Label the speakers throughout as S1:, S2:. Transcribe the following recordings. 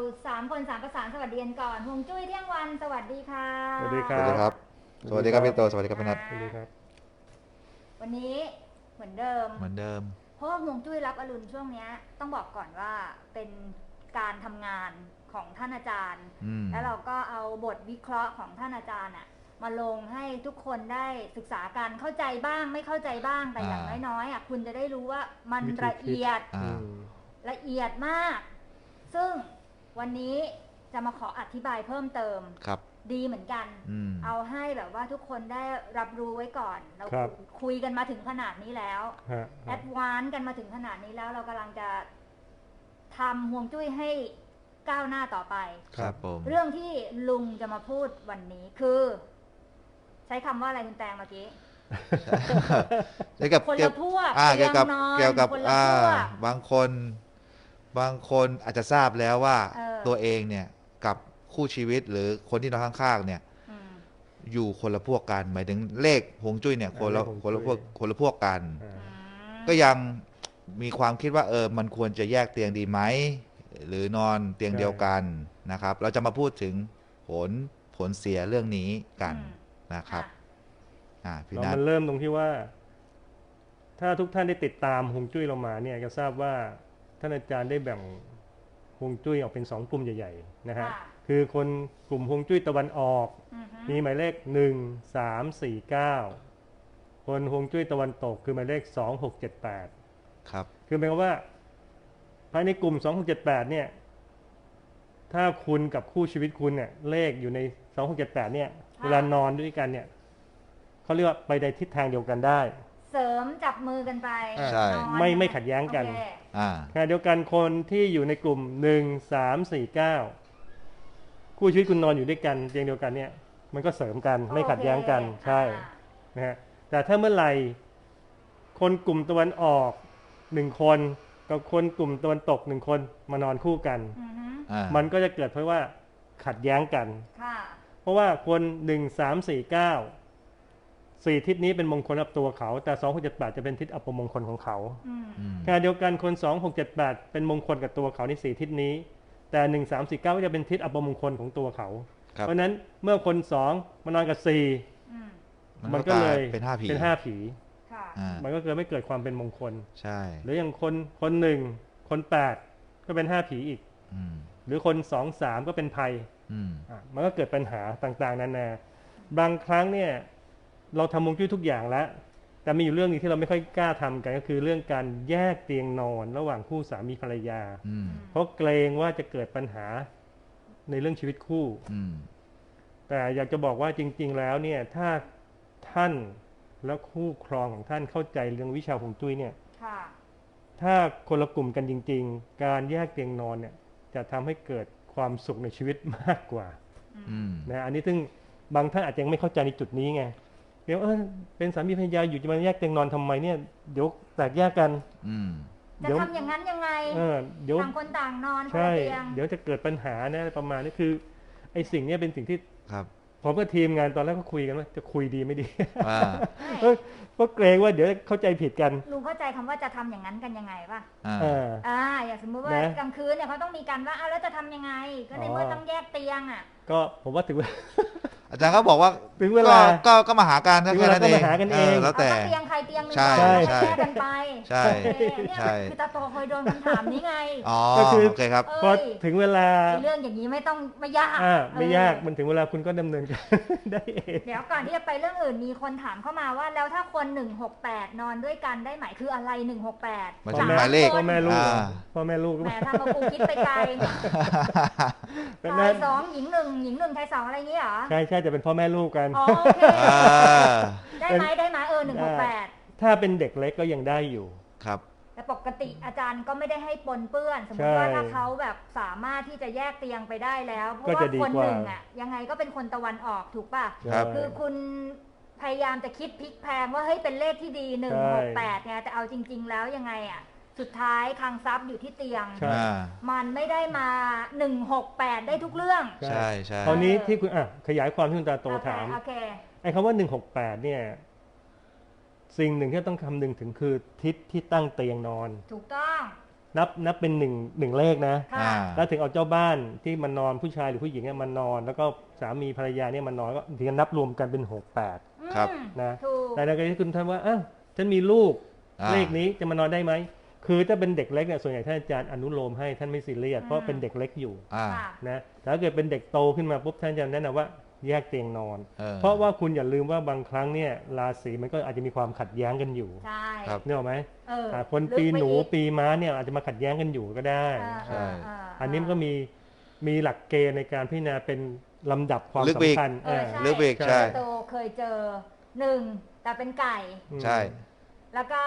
S1: 3 คน3ประสานสวัสดีกันก่อนฮวงจุ้ยเที่ยงวันสวัสดีค่ะ
S2: สวัสดีค
S3: ส
S2: รั
S3: วัสดีครับ สวัสดีครับพี่โตสวัสดีครับพี่นัท
S2: สวัสดีครับ
S1: วันนี้เหมือนเดิม
S3: เหมือนเดิม
S1: เพราะว่าฮวงจุ้ยรับอรุณช่วงนี้ต้องบอกก่อนว่าเป็นการทำงานของท่านอาจารย์ แล้วเราก็เอาบทวิเคราะห์ของท่านอาจารย์มาลงให้ทุกคนได้ศึกษากันเข้าใจบ้างไม่เข้าใจบ้างแต่อย่างน้อยๆคุณจะได้รู้ว่ามันละเอียด ละเอียดมาก ซึ่งวันนี้จะมาขออธิบายเพิ่มเติม
S3: ครับ
S1: ดีเหมือนกัน เอาให้แบบว่าทุกคนได้รับรู้ไว้ก่อน เรา
S2: ครับ
S1: คุยกันมาถึงขนาดนี้แล้ว แอดวานซ์กันมาถึงขนาดนี้แล้ว เรากำลังจะทำฮวงจุ้ยให้ก้าวหน้าต่อไป
S3: ครับผม
S1: เรื่องที่ลุงจะมาพูดวันนี้คือ ใช้คำว่าอะไรคุณแตงเมื่อกี้
S3: เกี่ยวกับ
S1: คนละพวก
S3: เกี่ยวกับ
S1: เตียงนอน
S3: เกี่ยวกับ
S1: คนละพวก
S3: บางคนอาจจะทราบแล้วว่า ตัวเองเนี่ยกับคู่ชีวิตหรือคนที่นอนข้างๆเนี่ย อยู่คนละพวกกัน หมายถึงเลขฮวงจุ้ยเนี่ยคนละพวกกัน ก็ยังมีความคิดว่ามันควรจะแยกเตียงดีไหมหรือนอนเตียงเดียวกันนะครับ เราจะมาพูดถึงผลเสียเรื่องนี้กันนะครับพี่นัท
S2: มันเริ่มตรงที่ว่า ถ้าทุกท่านได้ติดตามฮวงจุ้ยเรามาเนี่ยจะทราบว่าท่านอาจารย์ได้แบ่งฮวงจุ้ยออกเป็น2 กลุ่มใหญ่ๆนะฮะคือคนกลุ่มฮวงจุ้ยตะวันออกมีหมายเลข1 3 4 9คนฮวงจุ้ยตะวันตกคือหมายเลข2 6 7 8
S3: ครับ
S2: คือหมายความว่าภายในกลุ่ม2 6 7 8เนี่ยถ้าคุณกับคู่ชีวิตคุณเนี่ยเลขอยู่ใน2 6 7 8เนี่ยเวลานอนด้วยกันเนี่ยเขาเรียกว่าไปในทิศทางเดียวกันได้
S1: เสริมจับมือกันไป
S3: ใช่
S2: ไม่ขัดแย้งกัน ขณะเดียวกันคนที่อยู่ในกลุ่ม1 3 4 9คู่ชีวิตคุณนอนอยู่ด้วยกันเตียงเดียวกันเนี่ยมันก็เสริมกันไม่ขัดแย้งกันใช่นะฮะแต่ถ้าเมื่อไหร่คนกลุ่มตะวันออก1 คนกับคนกลุ่มตะวันตก1 คนมานอนคู่กันมันก็จะเกิดเพราะว่าขัดแย้งกันเพราะว่าคน1 3 4 9 4 ทิศนี้เป็นมงคลกับตัวเขาแต่2 6 7 8จะเป็นทิศอัปมงคลของเขาขณะเดียวกันคน2 6 7 8เป็นมงคลกับตัวเขาใน4 ทิศนี้แต่1 3 4 9ก็จะเป็นทิศอัปมงคลของตัวเขาเพราะนั้นเมื่อคน2มานอนกับ4มันก็เลยเป็น5 ผีมันก็เลยไม่เกิดความเป็นมงคล
S3: ใช่
S2: หรืออย่างคน1คน8ก็เป็น5 ผีอีกหรือคน2 3ก็เป็นภัยมันก็เกิดปัญหาต่างๆนานาบางครั้งเนี่ยเราทำฮวงจุ้ยทุกอย่างแล้วแต่มีอยู่เรื่องนึงที่เราไม่ค่อยกล้าทำกันก็คือเรื่องการแยกเตียงนอนระหว่างคู่สามีภรรยาเพราะเกรงว่าจะเกิดปัญหาในเรื่องชีวิตคู่แต่อยากจะบอกว่าจริงๆแล้วเนี่ยถ้าท่านและคู่ครองของท่านเข้าใจเรื่องวิชาฮวงจุ้ยเนี่ยถ้าคนละกลุ่มกันจริงๆการแยกเตียงนอนเนี่ยจะทำให้เกิดความสุขในชีวิตมากกว่านะอันนี้ซึ่งบางท่านอาจจะยังไม่เข้าใจในจุดนี้ไงเดี๋ยวเป็นสามีภรรยาอยู่จะมาแยกเตียงนอนทำไมเนี่ยเดี๋ยวแตกแยกกัน
S1: จะทำอย่างนั้นยังไงต่างคนต่างนอนคนละเตียง
S2: เดี๋ยวจะเกิดปัญหานะประมาณนี้คือไอ้สิ่งนี้เป็นสิ่งที่ผมกับทีมงานตอนแรกก็คุยกันว่าจะคุยดีไม่ดีเพราะเกรงว่าเดี๋ยวเข้าใจผิดกัน
S1: ลุงเข้าใจคำว่าจะทำอย่างนั้นกันยังไงป่ะอย่างสมมติว่ากลางคืนเนี่ยเขาต้องมีกันว่าแล้วจะทำยังไงก็ในเมื่อต้องแยกเตียง
S2: ก็ผมว่าถึง
S3: อาจารย์เขาบอกว่า
S2: ถึงเวลา
S3: ก็มาหากัน
S2: แค่นั้นเอง
S3: แล้วแต่
S1: เตียงใครเตียงนึงแยกกันไป
S3: ใช่
S1: คือตาโตเคยโดนคำถามนี้ไง
S2: ก็คือ
S3: โอเคครับ
S2: พอถึงเวลา
S1: เรื่องอย่างนี้ไม่ยาก
S2: ไม่ยากมันถึงเวลาคุณก็ดำเนินการได้เอง
S1: เดี๋ยวก่อนที่จะไปเรื่องอื่นมีคนถามเข้ามาว่าแล้วถ้าคน168นอนด้วยกันได้ไหมคืออะไร168
S3: หมายเลข
S2: พ่อแม่ลูก
S1: แหมทำมาปูคิดไปไกลชาย2หญิง1หญิง1ชาย2อะไรอย่างนี้เหรอ
S2: ใช่จะเป็นพ่อแม่ลูกกัน
S1: โอเคได้ไหม168
S2: ถ้าเป็นเด็กเล็กก็ยังได้อยู่
S3: ครับ
S1: แต่ปกติอาจารย์ก็ไม่ได้ให้ปนเปื้อนสมมติว่าถ้าเขาแบบสามารถที่จะแยกเตียงไปได้แล้วเพราะว่าคนหนึ่งยังไงก็เป็นคนตะวันออกถูกป่ะคือคุณพยายามจะคิดพลิกแพลงว่าเฮ้ยเป็นเลขที่ดี168ไงแต่เอาจริงๆแล้วยังไงสุดท้ายคลังทรัพย์อยู่ที่เตียงมันไม่ได้มา168ได้ทุกเรื่อง
S3: ใช่
S2: คราวนี้ที่คุณขยายความที่คุณตาโตถามไอ้คำว่า168เนี่ยสิ่งหนึ่งที่ต้องคำนึงถึงคือทิศที่ตั้งเตียงนอน
S1: ถูกต้อง
S2: นับเป็นหนึ่งเลขนะ
S1: ค่ะ
S2: แล้วถึงเอาเจ้าบ้านที่มันนอนผู้ชายหรือผู้หญิงเนี่ยมันนอน แล้วก็สามีภรรยาเนี่ยมันนอนก็ถึงจะนับรวมกันเป็น68
S3: ครับ
S2: นะ
S1: ถูก
S2: แต่ในกรณีที่คุณท่านว่าอ้าวฉันมีลูก
S3: อ่า
S2: เลขนี้จะมานอนได้ไหมคือถ้าเป็นเด็กเล็กเนี่ยส่วนใหญ่ท่านอาจารย์อนุโลมให้ท่านไม่ซีเรียสเพราะเป็นเด็กเล็กอยู่
S3: อ่า
S1: ค่ะ
S2: นะแต่ถ้าเกิดเป็นเด็กโตขึ้นมาปุ๊บท่านจะแนะนำว่าแยกเตียงนอน
S3: เพ
S2: ราะว่าคุณอย่าลืมว่าบางครั้งเนี่ยราศีมันก็อาจจะมีความขัดแย้งกันอยู่
S1: ใช่
S3: ครับ
S2: นึกออกไหม
S1: เออ
S2: คนปีหนูปีม้าเนี่ยอาจจะมาขัดแย้งกันอยู่ก็ได้
S3: ใช่
S2: อันนี้มันก็มีหลักเกณฑ์ในการพิจารณาเป็นลำดับความ
S3: ลึกไปอีก
S2: สำคัญ
S1: เออ
S3: หรือเบรก
S2: ใช่
S3: ใช่
S1: โตเคยเจอ1แต่เป็นไก่
S3: ใช่
S1: แล้วก็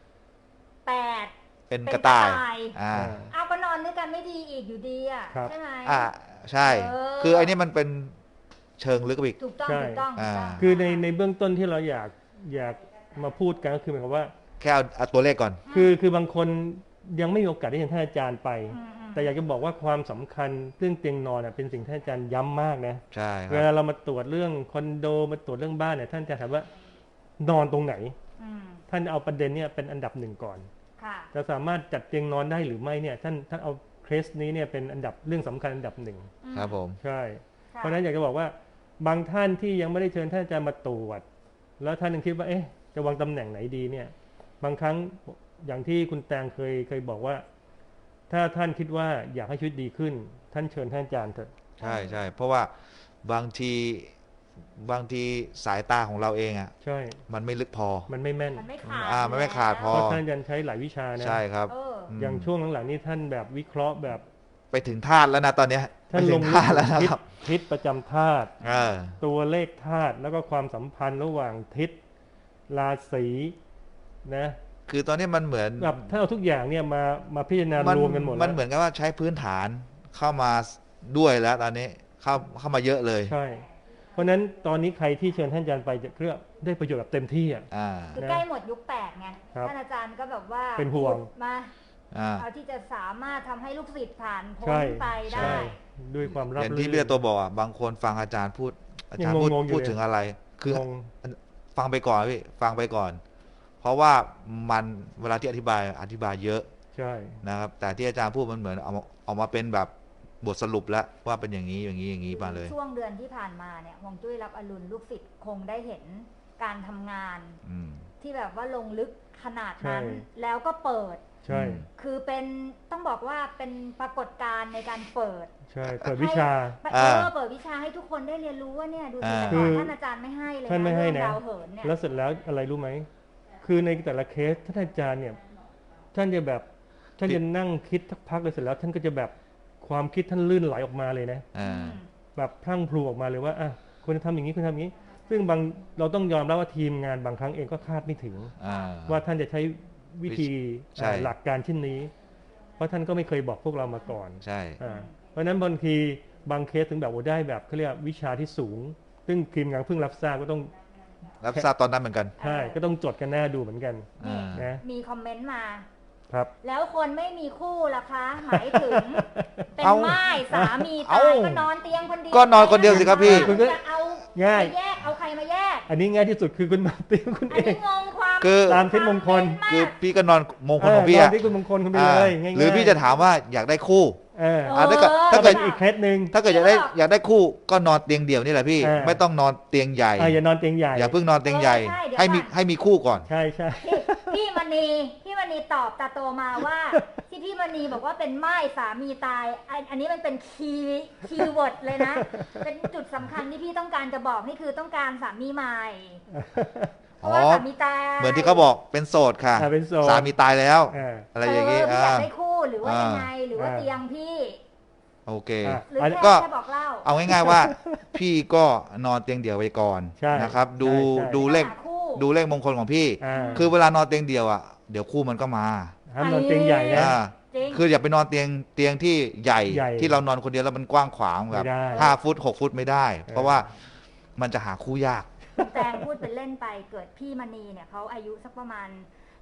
S1: 8
S3: เป็นกระต่ายอ่า
S1: เอาก็นอนด้วยกันไม่ดีอีกอยู่ดีอ่ะ
S2: ครับ
S1: ใช่ไหม
S3: ใช่ คือไอ้นี่มันเป็นเชิงลึกไปอีก
S1: ถูกต้อง
S2: ใช่
S1: ถูกต้องถูกต้อง
S2: คือในเบื้องต้นที่เราอยากมาพูดกันก็คือหมายความว่า
S3: แค่เอาตัวเลขก่อน
S2: คือบางคนยังไม่มีโอกาสได้เห็นท่านอาจารย์ไป แต่อยากจะบอกว่าความสำคัญเรื่องเตียงนอนเป็นสิ่งที่ท่านอาจารย์ย้ำมากนะ
S3: ใช่ค
S2: เว
S3: รับ
S2: ลาเรามาตรวจเรื่องคอนโดมาตรวจเรื่องบ้านเนี่ยท่านจะถามว่านอนตรงไหน ท่านเอาประเด็นเนี่ยเป็นอันดับหนึ่งก่อน
S1: ค่ะ
S2: จะสามารถจัดเตียงนอนได้หรือไม่เนี่ยท่านเอาเคสนี้เนี่ยเป็นอันดับเรื่องสำคัญอันดับหนึ่ง
S3: ครับผม
S2: ใช่
S1: ค่ะ
S2: เพราะฉะนั้นอยากจะบอกว่าบางท่านที่ยังไม่ได้เชิญท่านอาจารย์มาตรวจแล้วท่านยังคิดว่าจะวางตำแหน่งไหนดีเนี่ยบางครั้งอย่างที่คุณแตงเคยบอกว่า ถ้าท่านคิดว่าอยากให้ชีวิตดีขึ้น ท่านเชิญท่านอาจารย์เถอะ
S3: ใช่ใช่เพราะว่าบางทีสายตาของเราเองอ่ะ
S2: ใช่
S3: มันไม่ลึกพอ
S2: มันไม่แม่น
S1: มันไม่ขาด
S3: มันไม่ขาดพ
S2: เพราะท่านอาจารย์ใช้หลายวิชานะ
S3: ใช่ครับ
S2: อย่างช่วงหลังๆนี้ท่านแบบวิเคราะห์แบบ
S3: ไปถึงธาตุแล้วนะตอนเนี้ย
S2: ท่าน
S3: ไป
S2: ล
S3: ถึ
S2: ง
S3: งธาตุแล้วนะ
S2: ทิศ
S3: ครับ
S2: ทิศประจำธาตุ
S3: เออ
S2: ตัวเลขธาตุแล้วก็ความสัมพันธ์ระหว่างทิศราศีนะ
S3: คือตอนนี้มันเหมือน
S2: แบบถ้าเอาทุกอย่างเนี่ยมาพิจารณารวมกันหมด
S3: มั
S2: แล้
S3: น
S2: ว
S3: เหมือนกับว่าใช้พื้นฐานเข้ามาด้วยแล้วตอนนี้เข้ามาเยอะเลย
S2: ใช่ เพราะฉะนั้นตอนนี้ใครที่เชิญท่านอาจารย์ไปจะเรียกได้ประโยชน์แบบเต็มที่อ่ะ
S3: อ่า
S1: คือใกล้หมดยุค8ไง
S2: ครับ
S1: ท่านอาจารย์ก็แบบว่า
S2: เป็นห่วง
S1: ขุดมา
S3: อ่า
S1: เอาที่จะสามารถทำให้ลูกศิษย์ผ่านพ้
S2: ใช่
S1: นไปได้
S2: ใช่ด้วยความรับ
S3: อย่าง
S2: รื่
S3: ที่
S2: น
S3: พี่ตัวบอกอ่ะบางคนฟังอาจารย์พูด อาจารย์
S2: ยังงงๆอยู่
S3: พูด
S2: เลย
S3: ถึงอะไร คือง
S2: ง
S3: ฟังไปก่อนพี่ฟังไปก่อน เพราะว่ามันเวลาที่อธิบายเยอะ
S2: ใช่
S3: นะครับ แต่ที่อาจารย์พูดมันเหมือนเอามาเป็นแบบบทสรุปแล้วว่าเป็นอย่างนี้อย่างนี้อย่างนี้มาเลย
S1: ช่วงเดือนที่ผ่านมาเนี่ยฮวงจุ้ยรับอรุณลูกศิษย์คงได้เห็นการทำงาน
S3: อืม
S1: ที่แบบว่าลงลึกขนาดนั้น
S2: ใช่
S1: แล้วก็เปิด
S2: ใช่
S1: คือเป็นต้องบอกว่าเป็นปรากฏการณ์ในการเปิด
S2: ใช่เปิดวิชา
S1: เปิดวิชาให้ทุกคนได้เรียนรู้ว่าเนี่ยดูสิแต่
S2: คื
S1: ก่อน
S2: อ
S1: ท่านอาจารย์ไม่ให้เลย
S2: ท่านไม่ให้นะ
S1: เรื่องดาวเหินเนี่ย
S2: แล้วเสร็จแล้วอะไรรู้ไหม คือในแต่ละเคสท่านอาจารย์เนี่ย ท่านจะแบบ ท่านจะนั่งคิดสักพักเลยเสร็จแล้ว ท่านก็จะแบบความคิดท่านลื่นไหลออกมาเลยนะ
S3: อ่า
S2: แบบพรั่งพลูออกมาเลยว่าควรจะทำอย่างนี้ควรทำอย่างนี้ ซึ่งเราต้องยอมรับว่าทีมงานบางครั้งเองก็คาดไม่ถึง
S3: อ่า
S2: ว่าท่านจะใช้วิธี
S3: ใช่
S2: หลักการเช่นนี้ เพราะท่านก็ไม่เคยบอกพวกเรามาก่อน
S3: ใช่
S2: เพราะฉะนั้นบางทีบางเคสถึงแบบว่าได้แบบเขาเรียกวิชาที่สูง ซึ่งทีมงานเพิ่งรับทราบก็ต้อง
S3: รับทราบตอนนั้นเหมือนกัน
S2: ใช่ก็ต้องจดกันหน้าดูเหมือนกัน
S1: นี่
S2: นะ
S1: มีคอมเมนต์มา
S2: ครับ
S1: แล้วคนไม่มีคู่ล่ะคะ หมายถึง เป็น
S3: เอ้า
S1: ม่ายสามี
S3: เอ้า
S1: ตายก็นอนเตียงคนเดียว
S3: ก็นอนคนเดียวสิครับพี่
S1: คุณจะเอา
S2: ง่าย
S1: ไปแยกเอาใครมาแยก
S2: อันนี้ง่ายที่สุดคือคุณมาเตรียมคุณ
S1: อั
S2: เอน
S1: นี้
S2: ง
S1: งงความ
S3: คือ
S2: ตามทิศมงคล
S3: คือพี่ก็นอนมงคลของพี่
S2: ตา
S3: อะ
S2: มที่คุณมงคลคุณไป
S3: อ่า
S2: เลยง่ายๆ
S3: หรือพี่จะถามว่าอยากได้คู่ ถ้าเกิด
S2: ถ้าเป็นอีกเคสหนึ่ง
S3: ถ้าเกิดอยากได้คู่ก็นอนเตียงเดี่ยวนี่แหละพี่ ไม่ต้องนอนเตียงใหญ่
S2: อย่านอนเตียงใหญ่
S3: อย่าเพิ่งนอนเตียงใหญ่ ให้มีคู่ก่อน
S2: ใช่ใช่
S1: พี่มณีตอบตาโตมาว่า ที่พี่มณีบอกว่าเป็นม่ายสามีตายอันนี้มันเป็นคีย์เวิร์ดเลยนะ เป็นจุดสำคัญที่พี่ต้องการจะบอกนี่คือต้องการสามีใหม่เพราะว่าสามีตาย
S3: เหมือนที่เขาบอกเป็นโสดค่ะ
S2: เป็นโสด
S3: สามีตายแล้ว
S2: อ่า
S3: อะไรอย่างนี้
S1: พี่อยากได้คู่หรือว่ายังไงหรือว่า
S2: อ่า
S1: เตียงพี่
S3: โอเค
S1: หรือ
S2: อันนี้
S1: แค่บอกเล่า
S3: เอาง่ายๆว่า พี่ก็นอนเตียงเดี่ยวไปก่อน
S2: ใช่
S3: นะครับ
S2: ใช่
S3: ดูเลข
S1: หาคู่
S3: ดูเลขมงคลของพี่ คือเวลานอนเตียงเดี่ยวอ่ะเดี๋ยวคู่มันก็มา
S2: ห้ามนอนเตียงใหญ่นะ
S3: อ่า
S1: จริง
S3: คืออย่าไปนอนเตียงที่ใหญ่
S2: ใหญ่
S3: ที่เรานอนคนเดียวแล้วมันกว้างขวางแบบ
S2: ไม่ได้
S3: 5 ฟุต 6 ฟุตไม่ได้ เพราะว่ามันจะหาคู่ยาก
S1: แตงพูดเป็นเล่นไปเกิดพี่มณีเนี่ยเขาอายุสักประมาณ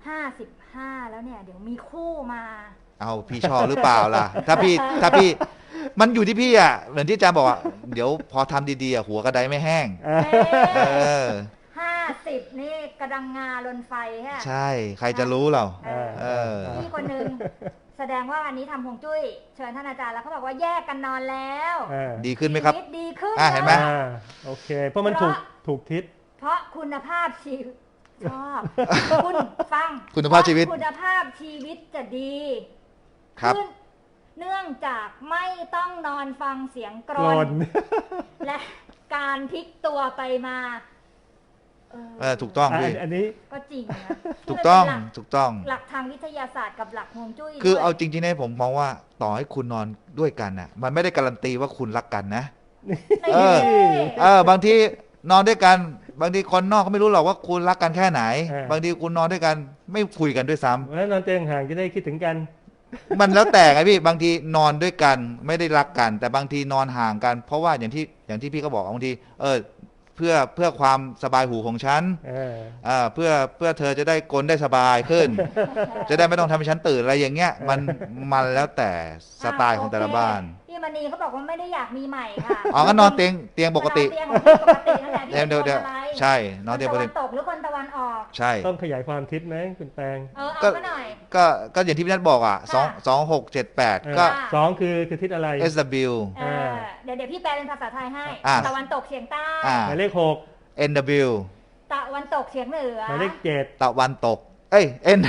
S1: 55แล้วเนี่ยเดี๋ยวมีคู่มา
S3: เอาพี่ชอบหรือเปล่าล่ะ ถ้าพี่มันอยู่ที่พี่อ่ะเหมือนที่อาจารย์บอกอ่ะเดี๋ยวพอทำดีๆอ่ะหัวกระไดไม่แห้ง เออ
S1: 50นี่กระดังงาลนไฟฮะ
S3: ใช่ใครจะรู้เรา
S1: เออ
S3: เออ
S1: พี่คนหนึ่งแสดงว่าอันนี้ทำฮวงจุ้ยเชิญท่านอาจารย์แล้วเขาบอกว่าแยกกันนอนแล้ว
S3: ดีขึ้นไหมครับ
S1: ชีวิตดีขึ้น
S3: เห็นไหม
S2: โอเค เพราะมันถูกทิศ
S1: เพราะคุณภาพชีวิตชอบคุณฟัง
S3: คุณภาพชีวิต
S1: คุณภาพชีวิตจะดี
S3: ครับ
S1: ขึ้นเนื่องจากไม่ต้องนอนฟังเสียงกร
S2: กร
S1: น
S2: น
S1: และการพลิกตัวไปมา
S3: ถูกต้องพี่
S2: อันนี้
S1: ก็จริงนะ
S3: ถูกต้อง
S1: เป็น
S3: ถูกต้อง
S1: หลักทางวิทยาศาสตร์กับหลักฮวงจุ้ย
S3: คือ
S1: ด้วย
S3: เอาจริงๆเนี่ยผมมองว่าต่อให้คุณนอนด้วยกันน่ะ มันไม่ได้การันตีว่าคุณรักกันนะ
S1: เออ
S3: บางทีนอนด้วยกัน บางทีคนนอกก็ไม่รู้หรอกว่าคุณรักกันแค่ไหน บางทีคุณนอนด้วยกันไม่คุยกันด้วยซ้ำ
S2: แล้วนอนเตียงห่างจะได้คิดถึงกัน
S3: มันแล้วแต่ไงพี่บางทีนอนด้วยกันไม่ได้รักกัน แต่บางทีนอนห่างกัน เพราะว่าอย่างที่พี่ก็บอกบางทีเพื่อความสบายหูของฉันเพื่อเธอจะได้กลนได้สบายขึ้น จะได้ไม่ต้องทำให้ฉันตื่นอะไรอย่างเงี้ยมันแล้วแต่สไตล์ของแต่ละบ้าน
S1: พี่มณีเขาบอกว่าไม่ได้อยากมีใหม่ค่ะ
S3: อ๋อก็นอนเตียงปกติ
S1: เตียงของพี่ปกตินั่นแหละพี่
S3: เดี๋ยว
S1: เป็นคนอะไร
S3: ใช่นอนเตียงปกติ
S1: คนตะวันตกหรือคนตะวันออก
S3: ใช่
S2: ต้องขยายความทิศไหมคุณแตง
S1: เอาก็หน่อย
S3: ก็อย่างที่พี่นัทบอกอ่ะ
S1: ค่ะ
S3: 2678 ก็
S2: สองคือทิศอะไร
S3: SW
S1: เดี๋ยวพี่แปลเป็นภาษาไทยให้ ตะวันตกเฉียงใต้
S2: หมายเลข
S3: NW
S1: ตะวันตกเฉียงเหนือ
S2: 6หมายเลข 7
S3: ตะวันตก N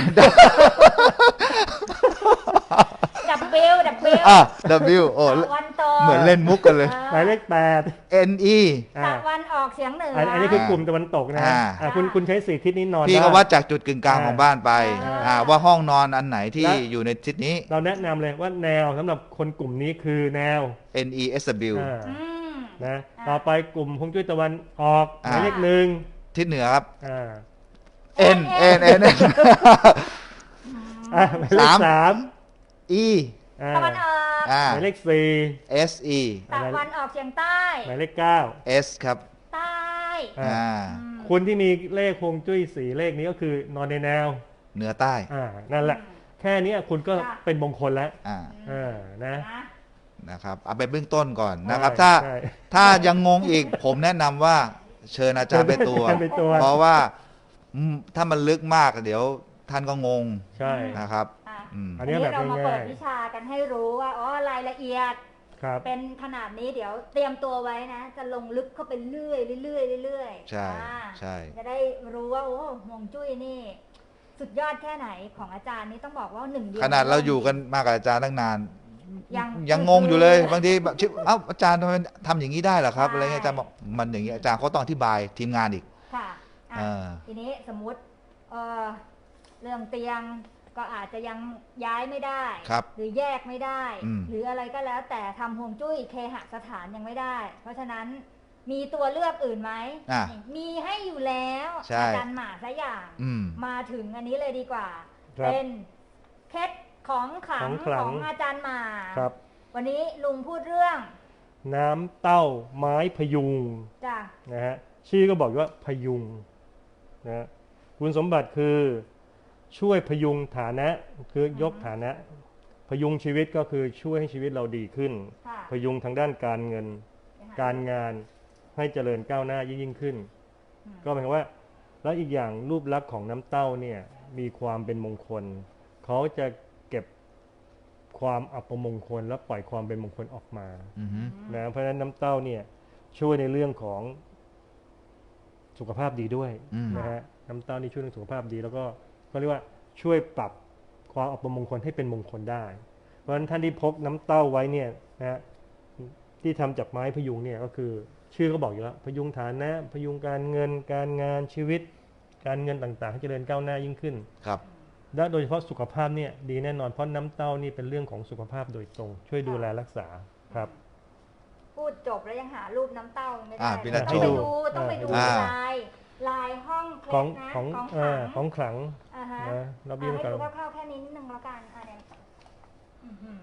S3: W โอ้
S1: ตะวันตก
S3: เหมือนเล่นมุกกันเลย
S2: หมายเลข
S3: NE
S1: ตะวันออกเฉียงเหนือ
S2: 8อันนี้คือกลุ่มตะวันตกนะคุณใช้4ทิศนี้นอน
S3: พี่
S2: ได้
S3: ก็วัดจากจุดกึ่งกลางของบ้านไป ว่าห้องนอนอันไหนที่
S2: และ
S3: อยู่ในทิศนี้
S2: เราแนะนำเลยว่าแนวสำหรับคนกลุ่มนี้คือแนว
S3: NESW
S1: อืม
S2: นะต่อไปกลุ่มฮวงจุ้ยตะวันออกห
S3: อ่า
S2: มายเลข
S3: ทิศเหนือครับ
S2: 1
S3: N
S2: หมายเลข
S3: สาม
S2: 3
S3: E
S1: ตะวันออก
S2: หมายเลข
S3: SE
S1: ตะวันออกเฉียงใต้
S2: 4หมายเลข
S3: S ครับ
S1: ใต้
S2: 9คุณที่มีเลขฮวงจุ้ย4เลขนี้ก็คือนอนในแนว
S3: เหนือใต้
S2: นั่นแหละ แค่นี้คุณก็เป็นมงคลแล้ว
S3: อ่า
S2: นะ
S3: นะครับเอาไปเบื้องต้นก่อนนะครับ
S2: ใช่
S3: ถ้ายังงงอีกผมแนะนำว่าเชิญอาจารย์ไปตัว
S2: เชิญไปตัว
S3: เพราะว่าถ้ามันลึกมากเดี๋ยวท่านก็งง
S2: ใช่
S3: นะครับ
S2: อัน
S1: อัน
S2: นี้
S1: นี้
S2: แบบ
S1: เรามาเปิด
S2: ง่าย
S1: วิชากันให้รู้ว่าอ๋อรายละเอียด
S2: ๆครับ
S1: เป็นขนาดนี้เดี๋ยวเตรียมตัวไว้นะ จะลงลึกเข้าไปเรื่อยๆเรื่อยๆเรื่อยๆ
S3: ใช่
S1: อ่า
S3: ใช่
S1: จะได้รู้ว่าโอ้ฮวงจุ้ยนี่ สุดยอดแค่ไหนของอาจารย์นี่ต้องบอกว่า1 เดือน
S3: ขนาดเราอยู่กันมากกับอาจารย์ตั้งนาน
S1: ยัง
S3: ยังงงอยู่เลยบางทีแบบเอ้าอาจารย์ทำไมทำอย่างนี้ได้เหรอครับอะไรเงี้ยอาจารย์บอกมันอย่างนี้อาจารย์เขาต้องอธิบายทีมงานอีก
S1: ค่ะอ่ะ
S3: อ่า
S1: ทีนี้สมมุติเรื่องเตียงก็อาจจะยังย้ายไม่ได้
S3: ครับ
S1: หรือแยกไม่ได้
S3: อืม
S1: หรืออะไรก็แล้วแต่ทำฮวงจุ้ยเคหสถานยังไม่ได้ เพราะฉะนั้นมีตัวเลือกอื่นไหม มีให้อยู่แล้ว
S3: ใช่
S1: อาจารย์หมาซะอย่าง มาถึงอันนี้เลยดีกว่า
S2: ครับ
S1: เป็นเคล็ดของขลั
S2: ข
S1: ง
S2: องขลัง
S1: ของอาจารย์หมา
S2: ครับ
S1: วันนี้ลุงพูดเรื่อง
S2: น้ำเต้าไม้พยุง
S1: จ้ะ
S2: นะฮะชื่อก็บอกอยู่ว่าพยุงนะคุณสมบัติคือช่วยพยุงฐานะคือยกฐานะ พยุงชีวิตก็คือช่วยให้ชีวิตเราดีขึ้น
S1: ค่ะ
S2: พยุงทางด้านการเงิน การงานให้เจริญก้าวหน้ายิ่งขึ้น ก็หมายความว่าแล้วอีกอย่างรูปลักษณ์ของน้ำเต้าเนี่ยมีความเป็นมงคล เขาจะเก็บความอัปมงคลและปล่อยความเป็นมงคลออกมา
S3: อือฮึ
S2: นะเพราะฉะนั้นน้ำเต้าเนี่ยช่วยในเรื่องของสุขภาพดีด้วยนะฮะน้ำเต้านี่ช่วยเรื่องสุขภาพดี แล้วก็เขาเรียกว่าช่วยปรับความอัปมงคลให้เป็นมงคลได้ เพราะฉะนั้นท่านที่พกน้ำเต้าไว้เนี่ยนะฮะที่ทำจากไม้พยุงเนี่ยก็คือชื่อก็บอกอยู่แล้วพยุงฐานะพยุงการเงินการงานชีวิต การเงินต่างๆให้เจริญก้าวหน้ายิ่งขึ้น
S3: ครับ
S2: และโดยเฉพาะสุขภาพเนี่ยดีแน่นอนเพราะน้ำเต้านี่เป็นเรื่องของสุขภาพโดยตรง ช่วยดูแลรักษาครับ
S1: พูดจบแล้วยังหารูปน้ำเต้าไม่ได้
S3: พี่นัท
S1: ต้องไป
S3: โชว์
S1: ดูต้องไปดู
S3: อ่า
S1: ลายห้องเค
S2: ข
S1: ล็
S2: อง
S1: ดนะ
S2: ของ
S1: ของ
S2: เอ
S1: ขลั
S2: อง ของขลัง
S1: อ่าฮะ
S2: นะเราเบี้ย
S1: ให้
S2: กัน
S1: ดูคร่าวๆแค่นี้นิดนึงแล้วกันเนี่ยอื้อหือ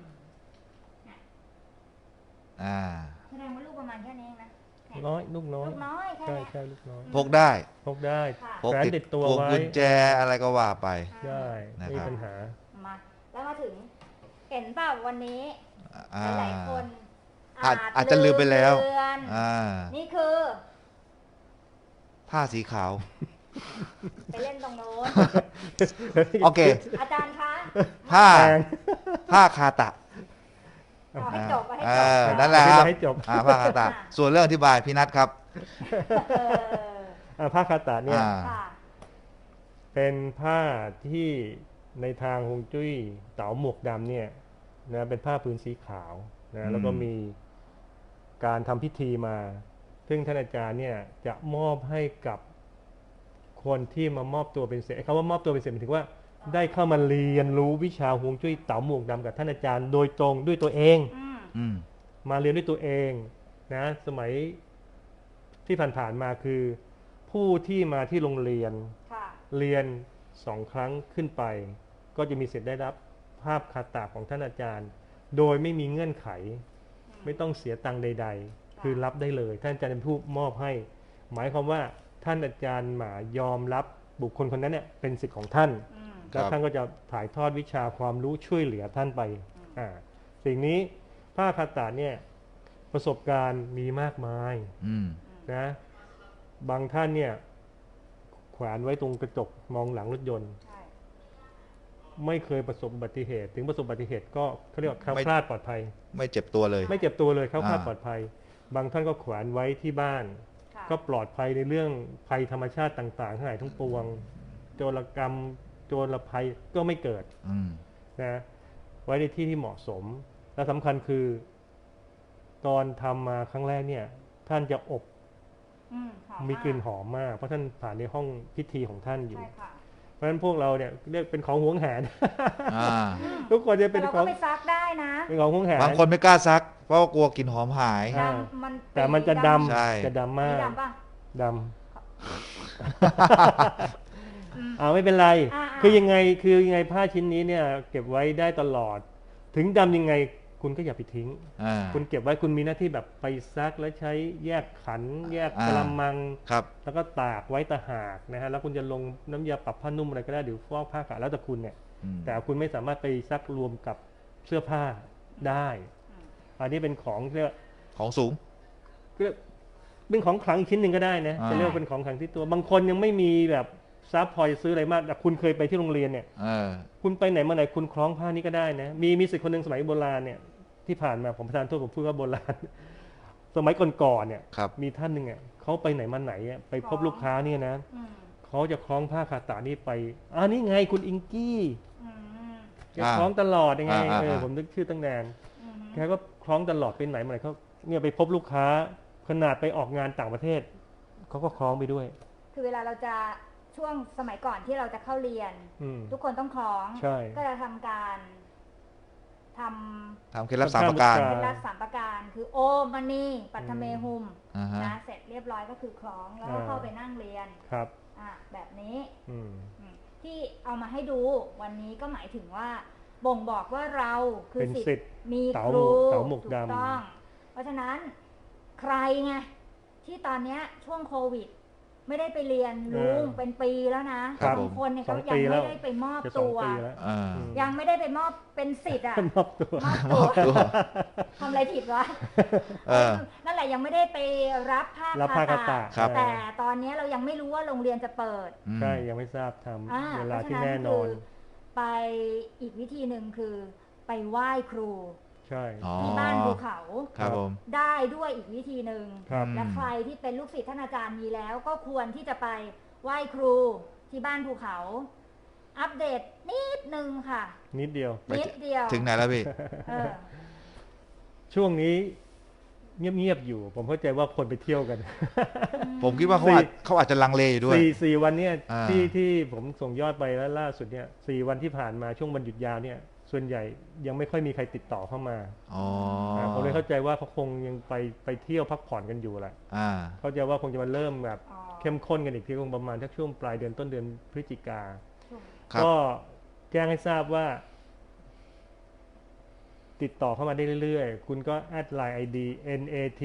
S3: อ่า
S1: แสดงว่าลูกประมาณแค่นี้เองนะ
S2: น้อยลูกน้อย
S1: ลูกน้อยแค่
S2: ใช่
S1: เนี้ย
S2: ใช่ลูกน้อย
S3: พกได้
S2: พกได้
S1: ค่ะ
S3: พก
S2: แขวนติดตัว
S3: พก
S2: ไว้
S3: กุญแจอะไรก็ว่าไป
S2: ได้
S3: นะครับ
S2: ไม่มีปัญหา
S1: มาแล้วมาถึง เห็นเปล่าวันนี้
S3: อ่า
S1: หลายๆคน
S3: อาจจะลืมไปแล้ว
S1: เลือน นี่คือ
S3: ผ้าสีขาว
S1: ไปเล่นตรงโน้น
S3: โอเค
S1: อาจารย์คะ
S3: ผ้า
S2: แพง
S3: ผ้าคาตะ
S1: เอาให้จบเอาให้
S3: เอ
S1: จบ
S3: นั่นแหละครับ
S2: ให้จบ
S3: ผ้าคาตะ ส่วนเรื่องอธิบายพี่นัทครับ
S1: เออ
S2: ผ้าคาตะเนี่ย
S1: ค่ะ
S2: เป็นผ้าที่ในทางฮวงจุ้ยเต๋าหมวกดำเนี่ยนะเป็นผ้าพื้นสีขาวนะแล้วก็มีการทำพิธีมา ซึ่งท่านอาจารย์เนี่ยจะมอบให้กับคนที่มามอบตัวเป็นศิษย์คำว่ามอบตัวเป็นศิษย์หมายถึงว่าได้เข้ามาเรียนรู้วิชาฮวงจุ้ยเต๋าหมวกดำกับท่านอาจารย์โดยตรงด้วยตัวเอง
S3: อืม
S2: มาเรียนด้วยตัวเองนะสมัยที่ผ่านๆมาคือ ผู้ที่มาที่โรงเรียน
S1: ค่ะ
S2: เรียน2 ครั้งขึ้นไป ก็จะมีสิทธิ์ได้รับภาพคาตะของท่านอาจารย์ โดยไม่มีเงื่อนไข ไม่ต้องเสียตังค์ใด ๆ คือรับได้เลย ท่านอาจารย์เป็นผู้มอบให้ หมายความว่าท่านอาจารย์หมายอมรับบุคคลคนนั้นเนี่ยเป็นสิทธิ์ของท่าน แล้วท่านก็จะถ่ายทอดวิชาความรู้ช่วยเหลือท่านไปสิ่งนี้ผ้าคาตะเนี่ยประสบการณ์มีมากมาย นะบางท่านเนี่ยแขวนไว้ตรงกระจกมองหลังรถยนต์
S1: ใช่
S2: ไม่เคยประสบอุบัติเหตุ ถึงประสบอุบัติเหตุก็เขาเรียกว่าแคล้ว
S3: ไม่
S2: คลาดปลอดภัย
S3: ไม่เจ็บตัวเลย
S2: ไม่เจ็บตัวเลยแคล้วคลาด
S3: อ่า
S2: ปลอดภัย บางท่านก็แขวนไว้ที่บ้าน
S1: ค่ะ
S2: ก็ปลอดภัยในเรื่องภัยธรรมชาติต่างๆทั้งหลายทั้งปวง โจรกรรมโจรภัยก็ไม่เกิด
S3: อืม
S2: นะไว้ในที่ที่เหมาะสม และสำคัญคือ ตอนทำมาครั้งแรกเนี่ยท่านจะอบ
S1: หอ
S2: มีกลิ่น
S1: าก
S2: หอมมากเพราะท่านผ่านในห้องพิธีของท่านอยู่
S1: ใช่ค่ะ
S2: เพราะฉะนั้นพวกเราเนี่ยเรียกเป็นของหวงแหน
S3: อ่า
S2: ทุกคนจะ
S1: แต่
S2: เป็น
S1: เรา
S2: ข
S1: ก็
S2: อง
S1: ไปซักได้นะ
S2: เป็นของหวงแหน
S3: บางคนไม่กล้าซัก เพราะว่ากลัวกลิ่นหอมหาย
S2: อ่า
S1: ดำมัน
S2: แต่มันจะด
S3: ใช่
S2: ำจะดำ
S1: มี
S2: มาก
S1: ดำป่ะ
S2: ดำไม่เป็นไร
S1: อ่า
S2: คือยังไงผ้าชิ้นนี้เนี่ย เก็บไว้ได้ตลอด ถึงดำยังไงคุณก็อย่าไปทิ้ง
S3: อ่า
S2: คุณเก็บไว้คุณมีหน้าที่แบบไปซักแล้วใช้แยกขัน แยก
S3: อ่าก
S2: ระมัง
S3: ครับ
S2: แล้วก็ตากไว้ตะหากนะฮะแล้วคุณจะลงน้ำยาปรับผ้านุ่มอะไรก็ได้หรือฟอกผ้าขาวแล้วแต่คุณเนี่ย
S3: อืม
S2: แต่คุณไม่สามารถไปซักรวมกับเสื้อผ้าได้ อันนี้เป็นของเรียก
S3: ของสูง
S2: เป็นของขลังชิ้นหนึ่งก็ได้นะ
S3: อ่า
S2: จะเรียกว่าเป็นของขลังที่ตัว บางคนยังไม่มีแบบซับพอจะซื้ออะไรมากแต่คุณเคยไปที่โรงเรียนเนี่ย
S3: เออ
S2: คุณไปไหนมาไหนคุณคล้องผ้านี้ก็ได้นะมีสิทธิ์คนหนึ่งสมัยโบราณเนี่ยที่ผ่านมาผมประธานโทษผมพูดว่าโบราณ สมัยก่อนๆเนี่ย
S3: ครับ
S2: มีท่านหนึ่งอ่ะเขาไปไหนมาไหนอ่ะไปพบลูกค้าเนี่ยนะ
S1: อืม
S2: เขาจะคล้องผ้าคาตานี่ไปนี่ไงคุณอิงกี้
S1: อืม
S2: แกคล้องตลอดยังไง
S3: อ่า
S2: ผมนึกชื่อตั้งนาน
S1: อืม
S2: แกก็คล้องตลอดไปไหนมาไหนเขาเนี่ยไปพบลูกค้าขนาดไปออกงานต่างประเทศเขาก็คล้องไปด้วย
S1: คือเวลาเราจะช่วงสมัยก่อนที่เราจะเข้าเรียน
S2: อืม
S1: ทุกคนต้องคล้อง
S2: ใช่
S1: ก็จะทำการท
S3: ทำเคล็ดลับ3 ประการ
S1: ำเป็นรักสามประการ คือโอมณีปัทเมหุม
S3: อ่าฮะ
S1: นะเสร็จเรียบร้อยก็คือคล้องแล้วก็เข้าไปนั่งเรียน
S2: ครับ
S1: แบบนี้
S2: อืม
S1: ที่เอามาให้ดูวันนี้ก็หมายถึงว่า บ่งบอกว่าเราคือ
S2: เป็น
S1: สิท
S2: สิทธิ์
S1: ธิ์มี
S2: เต๋า
S1: ครู
S2: เต๋าหมวก
S1: ถูก
S2: ดำ
S1: ต้อง เพราะฉะนั้นใครไงที่ตอนเนี้ยช่วงโควิด ไม่ได้ไปเรียนลุงเป็นปีแล้วนะครับ บางคนเนี่ย
S2: สอ
S1: เขา
S2: ง
S1: ยั
S2: ปี
S1: ง
S2: แล้
S1: ไม่
S2: ว
S1: ได้ไปมอบ
S2: จะ2
S1: ตัว
S2: ปีแล้ว
S3: อ่า
S1: ยังไม่ได้ไปมอบเป็นสิทธิ์อะ
S2: มอบตัว
S1: มอบตัว
S3: ตัว
S1: ทำอะไรผิดวะ
S3: เออ
S1: นั่นแหละยังไม่ได้ไปรับผ้า
S2: รับผ้าคาตะ
S3: ครับ
S1: แต่ตอนนี้เรายังไม่รู้ว่าโรงเรียนจะเปิด
S3: อืม
S2: ใช่ยังไม่ทราบท
S1: อ่า
S2: ำเวลา
S1: เพราะ
S2: ที่
S1: ฉะ
S2: แน่นอน
S1: คือไปอีกวิธีหนึ่งคือ ไปไหว้ครู
S2: ใช่
S3: อ๋อ
S1: ที่บ้านภูเขา
S3: ครับผม
S1: ได้ด้วยอีกวิธีหนึ่ง
S2: ครับ
S1: และใครที่เป็นลูกศิษย์ท่านอาจารย์มีแล้ว ก็ควรที่จะไปไหว้ครูที่บ้านภูเขา อัปเดตนิดนึงค่ะ
S2: นิดเดียว
S3: ไป
S1: นิดเดียว
S3: ถึงไหนแล้วพี่
S1: เออ
S2: ช่วงนี้เงียบๆอยู่ ผมเข้าใจว่าคนไปเที่ยวกัน
S3: ผมคิดว่าเขาอาจจะลังเลอยู่ด้วย
S2: สี่วันเนี่ย
S3: อ่า
S2: ที่ผมส่งยอดไปแล้วล่าสุดเนี่ย4 วันที่ผ่านมาช่วงวันหยุดยาวเนี่ยส่วนใหญ่ยังไม่ค่อยมีใครติดต่อเข้ามา
S3: อ๋อ
S2: ผมเลยเข้าใจว่าเขาคงยังไปเที่ยวพักผ่อนกันอยู่แหละ
S3: อ่า
S2: เข้าใจว่าคงจะมาเริ่มแบบ
S1: อ๋อ
S2: เข้มข้นกันอีกทีคงประมาณทักช่วงปลายเดือนต้นเดือนพฤศจิกา
S3: ครับ
S2: ก็แจ้งให้ทราบว่า ติดต่อเข้ามาได้เรื่อยๆ คุณก็แอดไลน์ ID NAT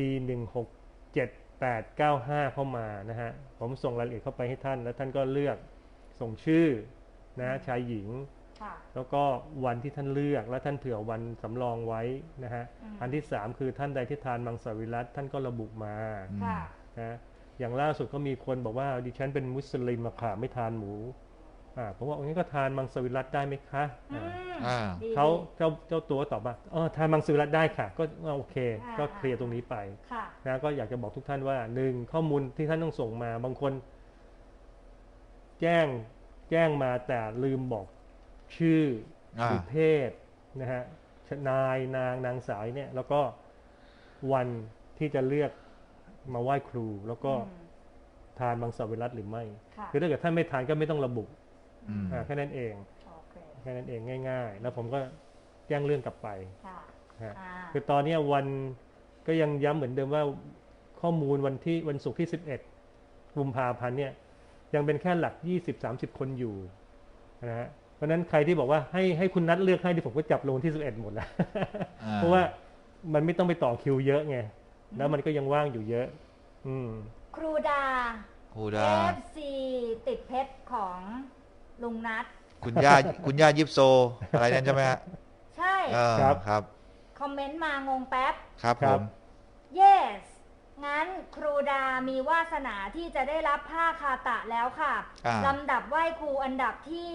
S2: 1679895เข้ามานะฮะ ผมส่งรายละเอียดเข้าไปให้ท่าน แล้วท่านก็เลือกส่งชื่อนะชายหญิง
S1: ค่ะ
S2: แล้วก็วันที่ท่านเลือกและท่านเผื่อวันสำรองไว้นะฮะ อันที่ 3 คือท่านใดที่ทานมังสวิรัติท่านก็ระบุมา
S3: อืม
S1: ค่ะ
S2: นะอย่างล่าสุดก็มีคนบอกว่าดิฉันเป็นมุสลิมอะค่ะไม่ทานหมูผมว่างี้ก็ทานมังสวิรัติได้ไหมคะ
S1: ดี
S2: เขาเจ้าตัวตอบว่าทานมังสวิรัติได้ค่ะก็โอเคก็เคลียร์ตรงนี้ไป
S1: ค่ะ
S2: นะก็อยากจะบอกทุกท่านว่าหนึ่งข้อมูลที่ท่านต้องส่งมาบางคนแจ้งมาแต่ลืมบอกชื่อหรือเพศนะฮะนายนางสาวเนี่ยแล้วก็วันที่จะเลือกมาไหว้ครูแล้วก็ทานมังสวิรัติหรือไม่ คือถ้าเกิดท่านไม่ทานก็ไม่ต้องระบุแค่นั้นเองแค่นั้นเองง่ายๆแล้วผมก็แจ้งเรื่องกลับไปคือตอนนี้วันก็ยังย้ำเหมือนเดิมว่าข้อมูลวันศุกร์ที่11กุมภาพันธ์เนี่ยยังเป็นแค่หลัก20-30 คนอยู่นะฮะเพราะนั้นใครที่บอกว่าให้คุณนัดเลือกให้ที่ผมก็จับลงที่11หมดแล้ว เพราะว่ามันไม่ต้องไปต่อคิวเยอะไงแล้วมันก็ยังว่างอยู่เยอะ
S1: ครูดา FC ติดเพชรของลุงนัท
S3: คุณย่ายิปโซอะไรนั่นใช่ไหมฮะ
S1: ใช่
S3: ครับ
S1: คอมเมนต์มางงแป๊บ
S3: ครับผม
S1: yes งั้นครูดามีวาสนาที่จะได้รับผ้าคาตะแล้วค่ะลำดับไหว้ครูอันดับที่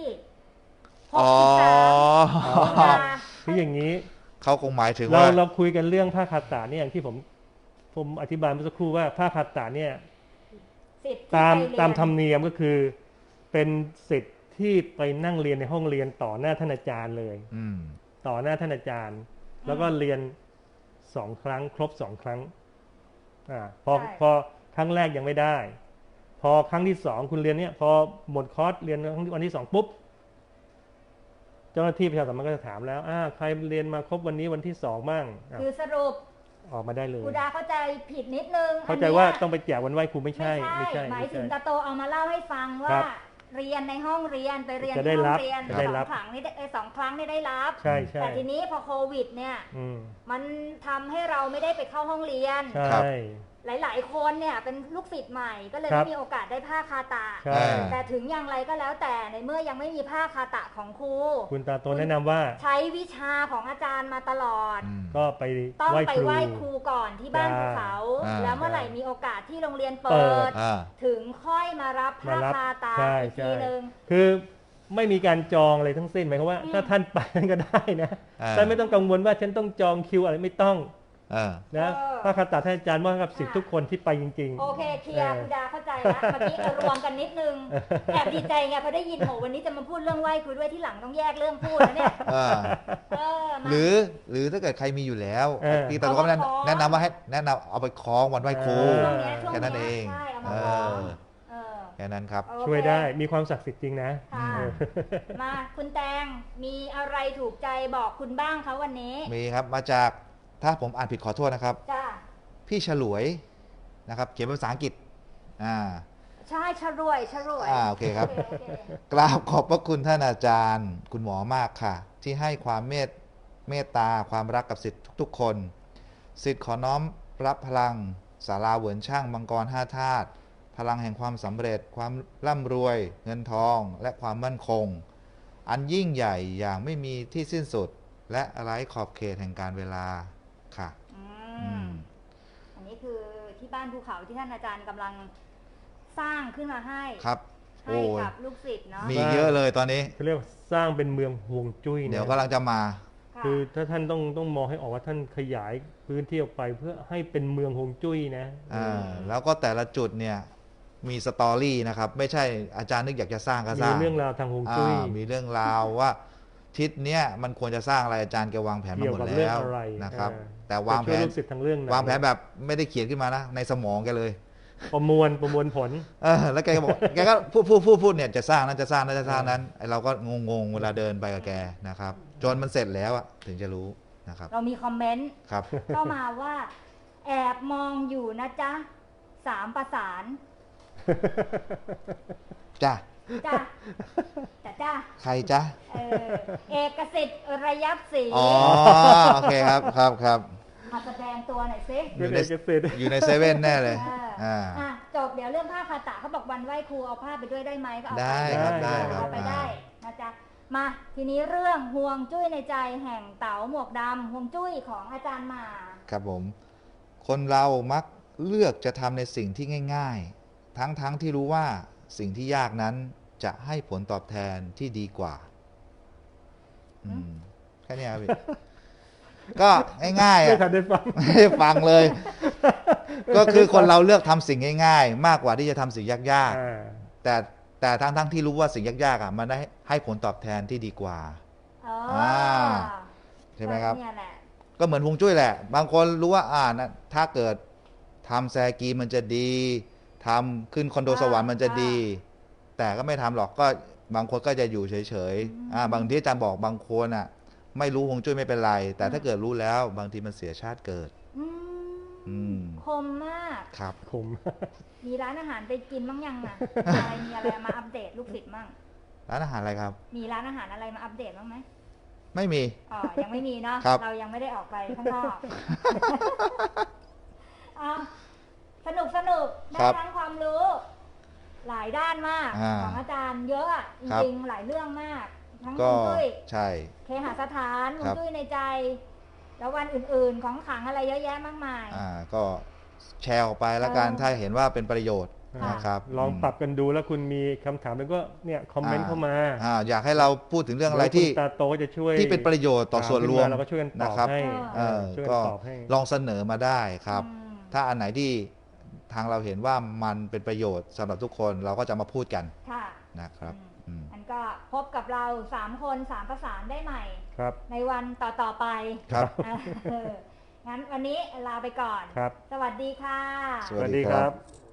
S2: 63คืออย่างนี้
S3: เขาคงหมายถึงว่า
S2: เราคุยกันเรื่องผ้าคาตะเนี่ยอย่างที่ผมอธิบายเมื่อสักครู่ว่าผ้าคาตะเนี่ยตามธรรมเนียมก็คือเป็นสิทธิ์ที่ไปนั่งเรียนในห้องเรียนต่อหน้าท่านอาจารย์เลยต่อหน้าท่านอาจารย์แล้วก็เรียน2 ครั้งครบ2 ครั้งพอครั้งแรกยังไม่ได้พอครั้งที่2คุณเรียนเนี่ยพอหมดคอร์สเรียนวันที่2ปุ๊บเจ้าหน้าที่ประชาสัมพันธ์ก็จะถามแล้วใครเรียนมาครบวันนี้วันที่2บ้าง
S1: คือสรุป
S2: ออกมาได้เลย
S1: ครูดาเข้าใจผิดนิดนึง
S2: เข้าใจว่าต้องไปแจกวันไหว้ครูไม่ใช่
S1: หมายถึงตาโตเอามาเล่าให้ฟังว่าเรียนในห้องเรียนไปเรียนในห้องเรียน2 ครั้งนี่2 ครั้งนี่ได้รับแต่ทีนี้พอโควิดเนี่ยมันทำให้เราไม่ได้ไปเข้าห้องเรียนหลายๆคนเนี่ยเป็นลูกศิษย์ใหม่ก็เลยไม่มีโอกาสได้ผ้าคาตะแต่ถึงอย่างไรก็แล้วแต่ในเมื่อยังไม่มีผ้าคาตะของครู
S2: คุณตาโตแนะนำว่า
S1: ใช้วิชาของอาจารย์มาตลอด
S2: ก็
S1: ต้องไปไหว้ครูก่อนที่บ้านภูเขาแล้วเมื่อไหร่มีโอกาสที่โรงเรียนเปิดถึงค่อยมารับผ้าคาตะอีกทีนึง
S2: คือไม่มีการจองอะไรทั้งสิ้นหมายความว่าถ้าท่านไปก็ได้นะท่านไม่ต้องกังวลว่าฉันต้องจองคิวอะไรไม่ต้องนะพระคาถาท่านอาจารย์มอบกับศิษย์ทุกคนที่ไปจริง
S1: ๆโอเคเคลียร์คุณดาเข้าใจแล้วเมื่อกี้รวมกันนิดนึงแอบดีใจไงพอได้ยินโหวันนี้จะมาพูดเรื่องไหว้ครูด้วยที่หลังต้องแยกเรื่องพูดนะเนี่ย
S3: หรือถ้าเกิดใครมีอยู่แล้วพี่ตาก็แนะนำว่าให้แนะนำเอาไปคล้องวันไหว้ครูแค่นั้นเองแค่นั้นครับ
S2: ช่วยได้มีความศักดิ์สิทธิ์จริงนะ
S1: มาคุณแตงมีอะไรถูกใจบอกคุณบ้างคะวันนี้
S3: มีครับมาจากถ้าผมอ่านผิดขอโทษนะครับพี่ฉลวยนะครับเขียนเป็นภาษาอังกฤษ
S1: ใช่ฉลวย
S3: โอเคครับกราบขอบพระคุณท่านอาจารย์คุณหมอมากค่ะที่ให้ความเมตตาความรักกับศิษย์ทุกๆคนศิษย์ขอน้อมรับพลังศาลาเหวินช่างมังกร5 ธาตุพลังแห่งความสำเร็จความร่ำรวยเงินทองและความมั่นคงอันยิ่งใหญ่อย่างไม่มีที่สิ้นสุดและไร้ขอบเขตแห่งการเวลาค่ะ
S1: อันนี้คือที่บ้านภูเขาที่ท่านอาจารย์กำลังสร้างขึ้นมาให้
S3: ครับ
S1: ให้กับลูกศิษย์เนาะ
S3: มีเยอะเลยตอนนี้
S2: เขาเรียกสร้างเป็นเมืองฮวงจุ้ย
S3: เดี๋ยวกำลังจะมา
S2: คือถ้าท่านต้องมองให้ออกว่าท่านขยายพื้นที่ออกไปเพื่อให้เป็นเมืองฮวงจุ้ยนะ
S3: แล้วก็แต่ละจุดเนี่ยมีสตอรี่นะครับไม่ใช่อาจารย์นึกอยากจะสร้างก็สร้าง
S2: มีเรื่องราวทางฮวงจุ้ย
S3: มีเรื่องราวว่าทิศเนี้ยมันควรจะสร้างอะไรอาจารย์แกวางแผนมาหมดแล้วนะครับแต่วางแผนแบบไม่ได้เขียนขึ้นมานะในสมองแกเลย
S2: ประมวลผล
S3: แล้วแกก็บอกแกก็พูดเนี่ยจะสร้างนั้นจะสร้างนั้นจะสร้างนั้นไอเราก็งงเวลาเดินไปกับแกนะครับจนมันเสร็จแล้วถึงจะรู้นะครับ
S1: เรามีคอมเมนต์เข้ามาว่าแอบมองอยู่นะจ๊ะ3 ประสาน
S3: จ้ะใครจ๊ะ
S1: เอกสิทธิ์ระยับศรี
S3: โอเคครับ
S1: มาแสดงตัวหน่อยซิ
S3: อยู่ในเซเว่นแน่เลย
S1: จบเดี๋ยวเรื่องผ้าคาตะเขาบอกวันไหว้ครูเอาผ้าไปด้วยได้ไหมก็เอาไป
S3: ได้
S1: เอาไปได้นะจ๊ะมาทีนี้เรื่องห่วงจุ้ยในใจแห่งเต๋าหมวกดำห่วงจุ้ยของอาจารย์หมา
S3: ครับผมคนเรามักเลือกจะทำในสิ่งที่ง่ายๆทั้งที่รู้ว่าสิ่งที่ยากนั้นจะให้ผลตอบแทนที่ดีกว่าแค่นี้ครับพี่ ก็ง่ายๆ
S2: ไม่
S3: อ่ะ
S2: ทันได้ฟัง
S3: ไม่ได้ฟังเลย ก็คือคนเราเลือกทำสิ่งง่ายๆ มากกว่าที่จะทำสิ่งยากๆแต่ทั้งที่รู้ว่าสิ่งยากๆอ่ะมันได้ให้ผลตอบแทนที่ดีกว่า ใช่ไหมครับ ก็เหมือนฮวงจุ้ยแหละ บางคนรู้ว่านะถ้าเกิดทำแซกีมันจะดีทำขึ้นคอนโดสวรรค์มันจะดี แต่ก็ไม่ทำหรอกก็บางคนก็จะอยู่เฉยๆบางที่อาจารย์บอกบางคนอ่ะ ไม่รู้ฮวงจุ้ยไม่เป็นไร แต่ถ้าเกิดรู้แล้ว บางทีมันเสียชาติเกิด
S1: คมมาก
S3: ครับ
S2: คม
S1: มีร้านอาหารไปกินบ้างยังอ่ะ มีอะไรมาอัปเดตลูกศิษย์บ้าง
S3: ร้านอาหารอะไรครับ
S1: มีร้านอาหารอะไรมาอัปเดตบ้างไหม
S3: ไม่มี
S1: ยังไม่มีเนาะเรายังไม่ได้ออกไปข้างนอกสนุกได้ทั้งความรู้หลายด้านมากของอาจารย์เยอะจริงๆหลายเรื่องมากทั้งฮวงจุ้ย
S3: ใช่
S1: เคหสถานฮวงจุ้ยในใจ แล้ววันอื่นๆของขลังอะไรเยอะแยะมากมาย
S3: ก็แชร์ออกไปแล้วกันถ้าเห็นว่าเป็นประโยชน์นะครับ
S2: ลองปรับกันดูแล้วคุณมีคำถามแล้วก็เนี่ยคอมเมนต์เข้ามา
S3: อยากให้เราพูดถึงเรื่องอะไรที่
S2: ตาโตจะช่วย
S3: ที่เป็นประโยชน์ต่อส่วนรวม
S2: เราก็ช่วยกันตอบให้
S3: ก็ลองเสนอมาได้ครับถ้าอันไหนที่ทางเราเห็นว่ามันเป็นประโยชน์สำหรับทุกคนเราก็จะมาพูดกันนะครับ
S1: อันก็พบกับเรา3 คน3 ประสานได้ใหม่ในวันต่อไป
S3: ครับ
S1: งั้นวันนี้ลาไปก่อน
S2: ครับ
S1: สวัสดีค่ะ
S2: สวัสดีครับ